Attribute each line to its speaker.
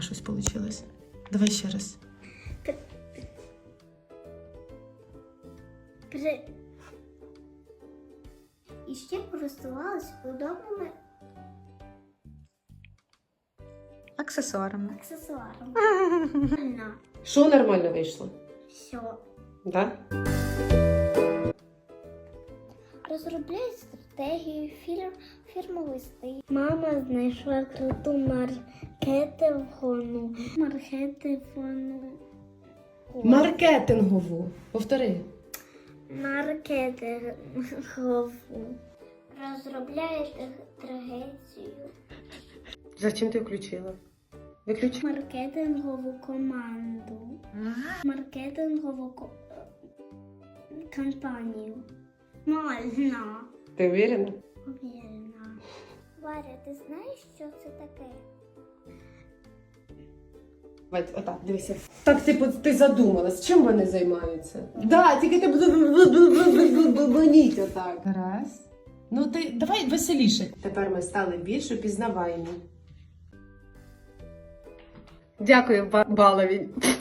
Speaker 1: щось вийшло. Давай ще раз.
Speaker 2: І ще користувалась удобними
Speaker 1: Аксесуарами.
Speaker 2: аксесуарами.
Speaker 3: Що нормально вийшло?
Speaker 2: Все.
Speaker 3: Да?
Speaker 2: Розробляють стратегію, фірмовий стиль. Мама знайшла круту
Speaker 3: Маркетингову. Повтори.
Speaker 2: маркетингову. Розробляє трагедію.
Speaker 3: Зачем ти включила? Виключи.
Speaker 2: Маркетингову команду. Маркетингову кампанію. Можна.
Speaker 3: Ти уверена?
Speaker 2: Уверена. Варя, ти знаєш, що це таке?
Speaker 3: Отак, дивися. Так, ти задумалась, чим вони займаються? Да, тільки ти блоніть отак.
Speaker 1: Раз. Ну ти давай веселіше.
Speaker 3: Тепер ми стали більш упізнаваємі. Дякую, Балові.